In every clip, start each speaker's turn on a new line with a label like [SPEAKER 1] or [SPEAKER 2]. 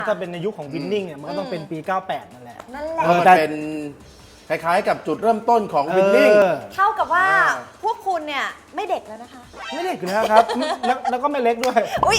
[SPEAKER 1] ถ้าเป็นในยุคของวินนิ่งเนี่ยมันก็ต้องเป็นปี 98 นั่นแหละ
[SPEAKER 2] นั่นแหละ
[SPEAKER 3] มันเป็นคล้ายๆกับจุดเริ่มต้นของวินนิ่ง
[SPEAKER 2] เท่ากับว่าพวกคุณเนี่ยไม่เด็กแล้วนะคะ
[SPEAKER 1] ไม่เล็กเลยนะครับ แล้วก็ไม่เล็กด้วย
[SPEAKER 2] อุ้ย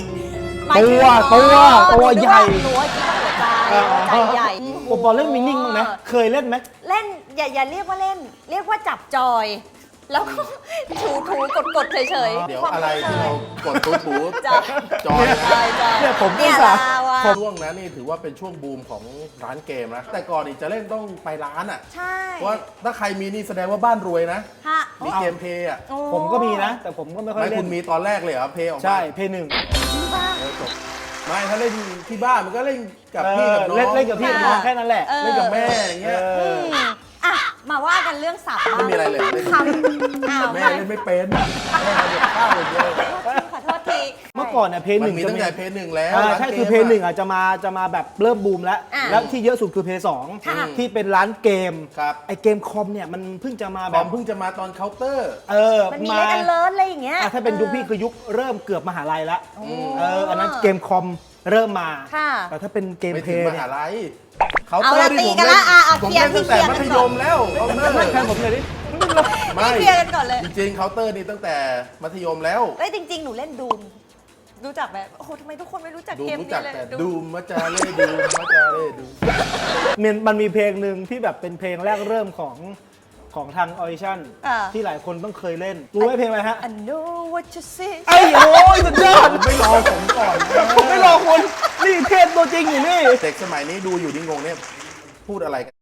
[SPEAKER 1] ตัวใหญ่
[SPEAKER 2] หัวคิดว่าหัวใจใหญ่
[SPEAKER 1] โอ้บอลเล่นวินนิ่งมั้างไหมเคยเล่นไหม
[SPEAKER 2] เล่นอย่าเรียกว่าเล่น เรียกว่าจับจอย แล้วก็ถูกดเฉยๆ
[SPEAKER 3] เดี๋ยวอะไรที่เรากดตุ๊บบูธ
[SPEAKER 2] จอย
[SPEAKER 3] จอยนะ
[SPEAKER 1] เนี่ยผมก็
[SPEAKER 2] เนี่ย
[SPEAKER 1] สา
[SPEAKER 2] ลาวะ
[SPEAKER 3] ช่วงนั้นนี่ถือว่าเป็นช่วงบูมของร้านเกมนะ แต่ก่อนนี่จะเล่นต้องไปร้านอ่ะ
[SPEAKER 2] ใช่
[SPEAKER 3] เพราะว่าถ้าใครมีนี่แสดงว่าบ้านรวยนะ
[SPEAKER 2] ฮะ
[SPEAKER 3] มีเกมเพย์อ่ะ
[SPEAKER 2] โอ้
[SPEAKER 1] ผมก็มีนะ แต่ผมก็ไม่ค่อย
[SPEAKER 3] ไม่
[SPEAKER 1] เล่
[SPEAKER 3] คุ
[SPEAKER 1] น
[SPEAKER 3] ณมีตอนแรกเลยเหรอเพย์ออกมา
[SPEAKER 1] ใช่เพย์หนึ่ง
[SPEAKER 2] ที่บ้าน
[SPEAKER 3] ไม่ถ้าเล่นที่บ้านมันก็เล่นกับพี่กับน้อง
[SPEAKER 1] เล่นกับพี่กับน้องแค่นั้นแหละ
[SPEAKER 3] เล่นกับแม่อย่างเงี้ย
[SPEAKER 2] อ่ะมาว่ากันเรื่องศัพท์บ้าง
[SPEAKER 3] ไม่มีอะไรเลยเล่น
[SPEAKER 2] คำอ้าว
[SPEAKER 3] แม่เล่นไม่เป็นแม่ทำกับข้าวอย่างเดียว
[SPEAKER 2] ขอโทษที
[SPEAKER 1] เมื่อก่อนเนี่ยเพย์ห
[SPEAKER 3] มัน
[SPEAKER 1] นึ่ง
[SPEAKER 3] มี
[SPEAKER 1] จะ
[SPEAKER 3] ตั้งแต่เพย์หนึ่งแล้ว
[SPEAKER 1] ใช่
[SPEAKER 3] ร้านกม
[SPEAKER 1] คือเพย์หนึ่งอ่ะจะมาแบบเริ่มบูมแล้ว
[SPEAKER 2] อ่า
[SPEAKER 1] แล้วที่เยอะสุดคือเพย์สอง
[SPEAKER 2] ค่ะ
[SPEAKER 1] ที่เป็นร้านเกม
[SPEAKER 3] ครับ
[SPEAKER 1] ไอเกมคอมเนี่ยมันเพิ่งจะมา
[SPEAKER 3] บ
[SPEAKER 1] แบ
[SPEAKER 3] อบ มเพิ่งจะมาตอนเคาน์เตอร์
[SPEAKER 2] มันมีเล่นกันเลิศอะไรอย่างเงี้ย
[SPEAKER 1] ถ้าเป็นยุคพี่คือยุคเริ่มเกือบมหาลัยละ
[SPEAKER 2] โอ้
[SPEAKER 1] อันนั้นเกมคอมเริ่มมา
[SPEAKER 2] ค่ะ
[SPEAKER 1] แต่ถ้าเป็นเกม
[SPEAKER 3] ไม่
[SPEAKER 1] เพ
[SPEAKER 3] ถึง
[SPEAKER 1] ย์
[SPEAKER 3] ม
[SPEAKER 1] เนี่
[SPEAKER 3] หาย ลัยเคาน์
[SPEAKER 2] เอา
[SPEAKER 3] เตอ
[SPEAKER 2] ละ
[SPEAKER 3] ร์ที่
[SPEAKER 2] ตี
[SPEAKER 3] ผม
[SPEAKER 2] กัน
[SPEAKER 3] เล่
[SPEAKER 2] ละ
[SPEAKER 3] นผม
[SPEAKER 2] เคลีย
[SPEAKER 3] เล่
[SPEAKER 2] ร์
[SPEAKER 3] นตั้งแต่
[SPEAKER 2] เคลียร์
[SPEAKER 3] มั
[SPEAKER 2] กัน
[SPEAKER 3] ธ
[SPEAKER 2] ก่
[SPEAKER 3] ย
[SPEAKER 2] อน
[SPEAKER 3] มแล้วเคาน์เตอร์
[SPEAKER 1] ไม่แทนผมเลยดิ
[SPEAKER 3] ไม่
[SPEAKER 2] เคลียร์กันก่อนเลย
[SPEAKER 3] จริงๆเคาน์เตอร์นี่ตั้งแต่มัธยมแล้ว
[SPEAKER 2] เอ้ยจริง ๆ หนูเล่นดูมรู้จักแบบโอ้โหทำไมทุกคนไม่รู้จัก
[SPEAKER 3] ดู
[SPEAKER 2] เกม
[SPEAKER 3] รู้
[SPEAKER 2] นี้
[SPEAKER 3] จัก
[SPEAKER 2] เลย
[SPEAKER 3] แต่ดูมะจาเล่ดูมะจาเล่ดู
[SPEAKER 1] มันมีเพลงหนึ่งที่แบบเป็นเพลงแรกเริ่มของทางออดิชั่นที่หลายคนต้องเคยเล่น รู้ไหมเพลงอะไรฮะ
[SPEAKER 2] I know what you see
[SPEAKER 1] ไอ้โอ้ยสุดยอด
[SPEAKER 3] ไม่รอผมก่อนนะ
[SPEAKER 1] ผมไม่รอคุณนี่เทพตัวจริงอยู่นี่
[SPEAKER 3] เด็กสมัยนี้ดูอยู่นี่งงเนี่ยพูดอะไรกัน